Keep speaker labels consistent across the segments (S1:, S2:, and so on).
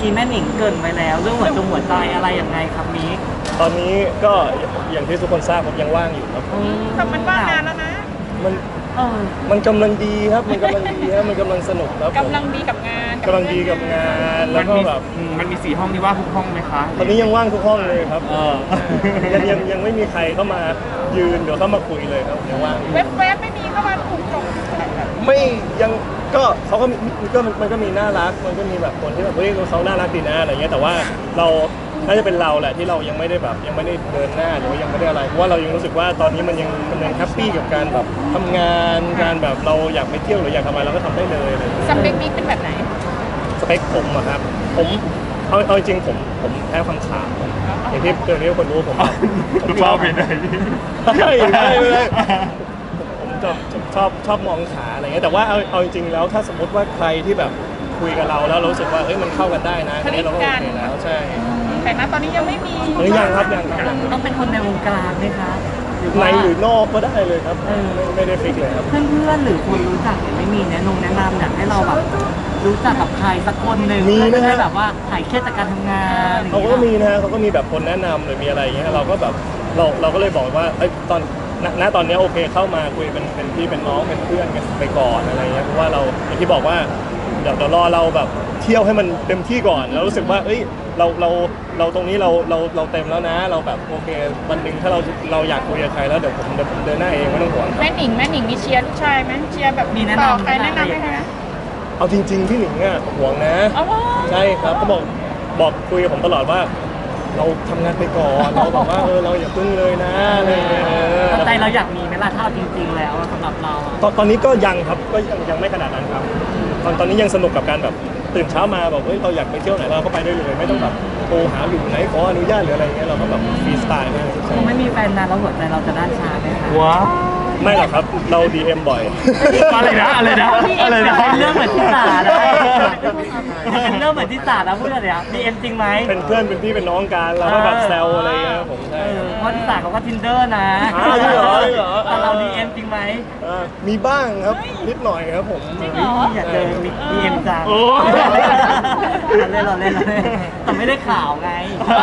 S1: กี้แม่หนิงเกริ่นไปแล้วเรื่องหัวใจอะไรยังไงครับมิก
S2: ตอนนี้ก็อย่างที่ทุกคนทราบผมยังว่างอยู่ครับ
S3: แต่มันว่างนานแล้วนะ
S2: มันมันกำลังดีครับมันกำลังดีครับมันกำลังสนุกครับ
S3: กำลังดีกับงาน
S2: กำลังดีกับงานแล้วก็แบบ
S4: มันมี4 ห้องนี่ว่างทุกห้องไหมคะ
S2: ตอนนี้ยังว่างทุกห้องเลยครับยังไม่มีใครเข้ามายืนเดี๋ยวเข้ามาคุยเลยครับยังว่าง
S3: เว็บไม่มีเข้ามาถูกตรง
S2: ไม่ยังก็เขาก็มันก็มีน่ารักมันก็มีแบบคนที่แบบเฮ้ยเขาน่ารักดีนะอะไรเงี้ยแต่ว่าเราน่าจะเป็นเราแหละที่เรายังไม่ได้แบบยังไม่ได้เดินหน้าหรือว่ายังไม่ได้อะไรเพราะว่าเรายังรู้สึกว่าตอนนี้มันยังแฮปปี้กับการแบบทำงานการแบบเราอยากไปเที่ยวหรืออยากทำอะไรเราก็ทำได้เลยอะไร
S3: สเปคนี้เป็นแบบไหน
S2: สเปคผมอะครับผมเอาจริงผมแพ้ความขาวอย่างที่ทุกคนรู้ผม
S4: ชอบเป็นอะไร
S2: ใช่ผมชอบมองขาอะไรเงี้ยแต่ว่าเอาจริงแล้วถ้าสมมติว่าใครที่แบบคุยกับเราแล้วรู้สึกว่าเอ้ยมันเข้ากันได้นะอันนี้เราก็โอเคแล้วใช่
S3: แต่ณตอนนี้ยังไม่มี
S2: ยังครับ
S1: ต้องเป็นคนในวงการไหมคะ
S2: ในหรือนอกก็ได้เลยครับไม่ได้ฟิกเลยครับ
S1: เพื่อนหรือคนรู้จักไม่มีแนะนำอยากให้เราแบบรู้จักกับใครสักคนหนึ่งไม่ได้แบบว่าหายเครียดจากการทำงาน
S2: เขาก็มีนะเขาก็มีแบบคนแนะนำหรือมีอะไรอย่างเงี้ยเราก็แบบเราก็เลยบอกว่าตอนนี้โอเคเข้ามาคุยเป็นพี่เป็นน้องเป็นเพื่อนกันไปก่อนอะไรเงี้ยเพราะว่าเราอย่างที่บอกว่าเดี๋ยวรอเราแบบเที่ยวให้มันเต็มที่ก่อนแล้วรู้สึกว่าเอ้ยเราตรงนี้เราเต็มแล้วนะเราแบบโอเควันหนึ่งถ้าเราอยากคุยกับใครแล้วเดี๋ยวผมเดินหน้าเองไม่ต้องห่วง
S3: แม่หนิงมีเชียร์ลูกชายไหมเชียร์แบบ
S1: มี
S3: ต่อใครแนะนำไหมคะ
S2: เอาจริงๆพี่หนิงอ่ะห่วงนะใช่ครับเขาบอกคุยกับผมตลอดว่าเราทำงานไปก่อนเราบอกว่าเราอย่าพึ่งเลยนะอะไรเงี้ย
S1: ใจเราอยากมีไหมล่ะถ้าจริงๆแล้วสำหรับเรา
S2: ตอนนี้ก็ยังครับก็ยังไม่ขนาดนั้นครับตอนนี้ยังสนุกกับการแบบตื่นเช้ามาแบบเฮ้ยเราอยากไปเที่ยวไหนเราก็ไปได้เลยไม่ต้องแบบโทรหาอยู่ไหนขออนุญาตหรืออะไรเงี้ยเราก็แบบฟรีสไตล์มาก
S1: คงไม่มีแฟนนานแล้วหัวใจเราจะด้านชาไหมคะ
S4: ว้า
S2: ไม่หรอกครับเรา DM บ่อย
S4: อะไรนะ
S1: เป็นเรื่องเหมือนที่ศาลนะเป็นเรื่องเหมือนที่ศาลนะพูดอะไรนะDM จริงไหม
S2: เป็นเพื่อนเป็นพี่เป็นน้องกันเราก็แบบแซวอะไรเงี้ยผมใช่
S1: เพราะที่ศาลเขาก็ Tinder นะแต่เรา DM จริงไหม
S2: มีบ้างครับนิดหน่อยครับผม
S1: อยากเจอ DM จังเล่นแต่ไม่ได้ข่าวไง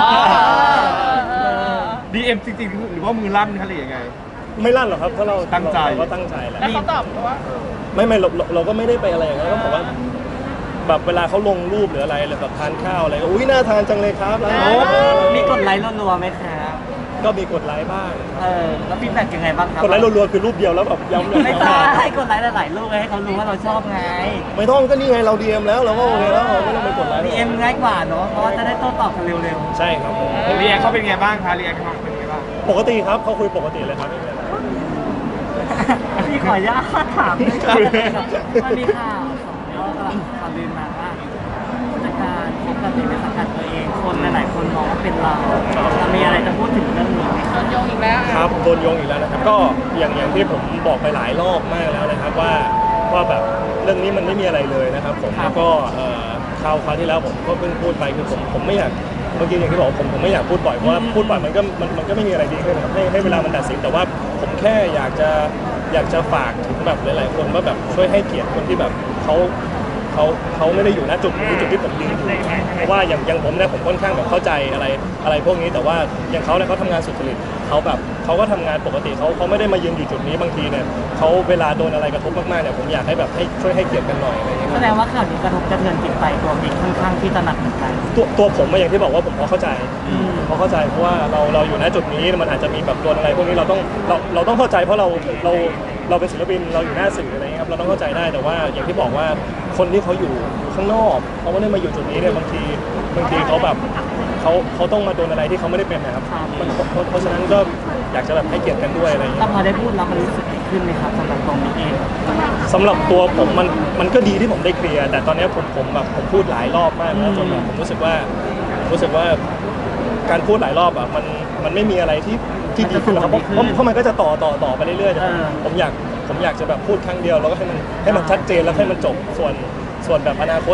S4: DM จริงๆหรือว่ามือลั่นคะหรือยังไง
S2: ไม่ลั่นหรอกครับถ้าเรา
S4: ตั้งใจ
S2: ก็ตั้งใจแหละ
S3: แล้วเขาตอบว่า
S2: ไม่เราก็ไม่ได้ไปอะไรอย่างนั้นก็บอกว่าแบบเวลาเขาลงรูปหรืออะไรหรือแบบทานข้าวอะไรก็อุ้ยน่าทานจังเลยครับแล้ว
S1: มีกดไลค์รัวๆไหมครับ
S2: ก็มีกดไลค์บ้าง
S1: แล้วฟีดแบ็กยังไงบ้างครับ
S2: กดไลค์รัวๆคือรูปเดียวแล้วแบบย้ำ
S1: ไม่ต้องให้กดไลค์หลายๆรูปให้เขารู้ว่าเราชอบไง
S2: ไม่ต้องก็นี่ไงเรา DM แล้วเราก็โอเคแล้วไม่ต้องไปกดไลค์
S1: DM ง่ายกว่าเนาะเพราะว่าจะได้โต้ตอบกันเร็ว
S2: ๆใช่ครับผม
S4: เรียกเขาเป็นไงบ้างคะเรียกเขาเป็นไงบ้าง
S2: ปกติครับเขาคุยปกติเลยครับไม่มีอะไร
S1: พี่ขออนุญาตถามมันมีข่าวข่าวลือมาว่าผู้จัดการคบกับเด็กในสังกัดตัวเองคนหลายคนมองว่าเป็นเรามีอะไรจะพูดถึงเรื่องนี้ไหม
S3: โดนโยงอีกแล้ว
S2: ครับโดนโยงอีกแล้วนะครับก็อย่างที่ผมบอกไปหลายรอบมากแล้วนะครับว่าแบบเรื่องนี้มันไม่มีอะไรเลยนะครับผมแล้วก็คราวที่แล้วผมก็เพิ่งพูดไปคือผมไม่อยากเมื่อกี้อย่างที่บอกผมไม่อยากพูดบ่อยเพราะว่าพูดบ่อยมันก็ไม่มีอะไรดีขึ้นนะครับให้เวลามันตัดสินแต่ว่าผมแค่อยากจะฝากถึงแบบหลายๆคนว่าแบบช่วยให้เกียรติคนที่แบบเขาไม่ได้อยู่ณจุดที่ผมยืนอยู่เพราะว่าอย่างผมเนี่ยผมค่อนข้างแบบเข้าใจอะไรพวกนี้แต่ว่าอย่างเขาเนี่ยเขาทำงานสุจริตเขาก็ทำงานปกติเขาไม่ได้มายืนอยู่จุดนี้บางทีเนี่ยเขาเวลาโดนอะไรกระทบมากๆเนี่ยผมอยากให้แบบให้ช่วยให้เกียรติกันหน่อยอะไรอย่างเงี้ย
S1: แสดงว่าข่าวนี้กระทบกระเทือนจิตใจตัวบิ๊กค่อนข้างที่จะหนักเหมือนกัน
S2: ตัวผมอย่างที่บอกว่าผมพอเข้าใจเพราะว่าเราอยู่ณจุดนี้มันอาจจะมีแบบโดนอะไรพวกนี้เราต้องเข้าใจเพราะเราเป็นศิลปินเราอยู่หน้าสื่ออะไรเงี้ยครับเราต้องเข้าใจได้แต่ว่าอย่างที่บอกว่าคนที่เขาอยู่ข้างนอกเขาไม่ได้มาอยู่จุดนี้เนี่ยบางทีเขาแบบเขาต้องมาโดนอะไรที่เขาไม่ได้เป็นนะครับเพราะฉะนั้นก็อยากจะแบบให้เกียรติกันด้วยอะไรอย่างเงี้ย
S1: แต่พอได้พูดแล้วมันรู้สึกดีขึ้นไหมครับสำหรับตรงนี้เอง
S2: สำหรับตัวผมมันก็ดีที่ผมได้เคลียร์แต่ตอนนี้ผมพูดหลายรอบมากแล้วจนแบบผมรู้สึกว่าการพูดหลายรอบอ่ะมันไม่มีอะไรที่ดีขึ้นหรอกครับเพราะมันก็จะต่อไปเรื่อยๆผมอยากจะแบบพูดครั้งเดียวแล้วก็ให้มันชัดเจนแล้วให้มันจบส่วนแบบอนาคต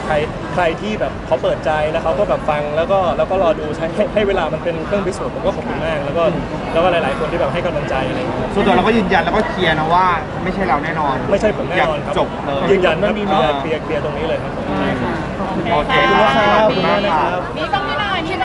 S2: ใครที่แบบเขาเปิดใจแล้วเขาก็แบบฟังแล้วก็รอดูใช้ให้เวลามันเป็นเครื่องพิสูจน์ผมก็ขอบคุณมากแล้วก็หลายๆคนที่แบบให้กำลังใจอะไรอย่างเงี้ย
S4: ส่วนตัวเราก็ยืนยันแล้วก็เคลียร์นะว่าไม่ใช่เราแน่นอน
S2: ไม่ใช่ผมแน่นอนครับ
S4: จบเลย
S2: ยืนยันครับเคลียร์ตรงนี้เลยครับผม
S1: ได้ค่ะขอบคุณ
S4: โอเค
S2: ขอบคุณมากครับ
S4: ขอบคุณมากครับ
S3: มี